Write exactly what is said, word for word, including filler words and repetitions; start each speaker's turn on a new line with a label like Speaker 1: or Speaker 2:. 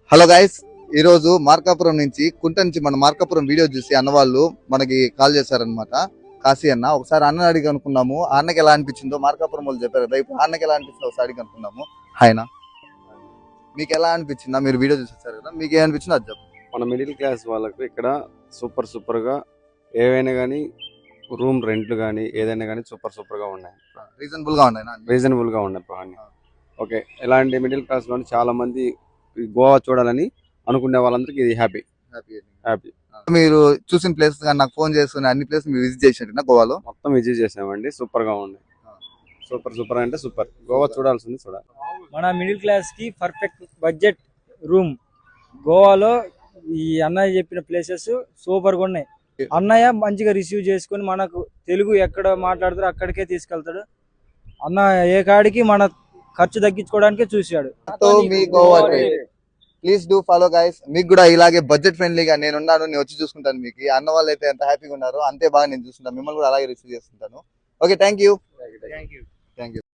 Speaker 1: Hello guys, ఈ రోజు మార్కాపురం నుంచి కుంట నుంచి మన మార్కాపురం వీడియో చూసి అన్న వాళ్ళు మనకి కాల్ చేశారనమాట. కాశీ అన్న, ఒకసారి అన్న అడిగి అనుకున్నాము. ఆ అన్నకి ఎలా అనిపించిందో మార్కాపురం వాళ్ళు చెప్పారు కదా, ఇప్పుడు అన్నకి ఎలా అనిపించిందో ఒకసారి అడిగి అనుకున్నాము. ఆయన మీకు ఎలా అనిపించిందా? మీరు వీడియో చూసేసారు కదా, మీకు ఏమనిపించిందో అది చెప్పండి.
Speaker 2: మన మిడిల్ క్లాస్ వాళ్ళకు ఇక్కడ సూపర్ సూపర్ గా ఏవైనా కానీ రూమ్ రెంట్లు కానీ ఏదైనా కానీ సూపర్ సూపర్ గా ఉన్నాయి,
Speaker 1: రీజనబుల్ గా ఉన్నాయి.
Speaker 2: రీజనబుల్ గా ఉన్నాయి పహాన్ని. ఓకే, ఇలాంటి మిడిల్ క్లాస్ లో చాలా మంది ఈ గోవా చూడాలని అనుకునే వాళ్ళందరికీ ఇది హ్యాపీ హ్యాపీ
Speaker 1: మీరు చూసిన ప్లేస్ కానీ నాకు ఫోన్ చేసుకుని అన్ని ప్లేస్ మీరు విజిట్ చేసినట్టు గోవాలో
Speaker 2: మొత్తం విజిట్ చేసామండి. సూపర్ గా ఉంది, సూపర్ సూపర్ అంటే సూపర్. గోవా చూడాల్సింది చూడాలి.
Speaker 3: మన మిడిల్ క్లాస్ కి పర్ఫెక్ట్ బడ్జెట్ రూమ్ గోవాలో. ఈ అన్నయ్య చెప్పిన ప్లేసెస్ సూపర్ గా ఉన్నాయి. అన్నయ్య మంచిగా రిసీవ్ చేసుకుని మనకు తెలుగు ఎక్కడ మాట్లాడతారో అక్కడికే తీసుకెళ్తాడు. అన్న ఏ కాడికి మన ఖర్చు తగ్గించుకోవడానికే చూశాడు.
Speaker 1: Please do follow guys. మీకు కూడా ఇలాగే బడ్జెట్ ఫ్రెండ్లీగా నేను ఉన్నాను, నేను వచ్చి చూసుకుంటాను. మీకు అన్న వాళ్ళు అయితే ఎంత హ్యాపీగా ఉన్నారో అంతే బాగా నేను చూసుకుంటాను. మిమ్మల్ని కూడా అలాగే రిసీవ్ చేసుకుంటాను. Okay, thank you thank you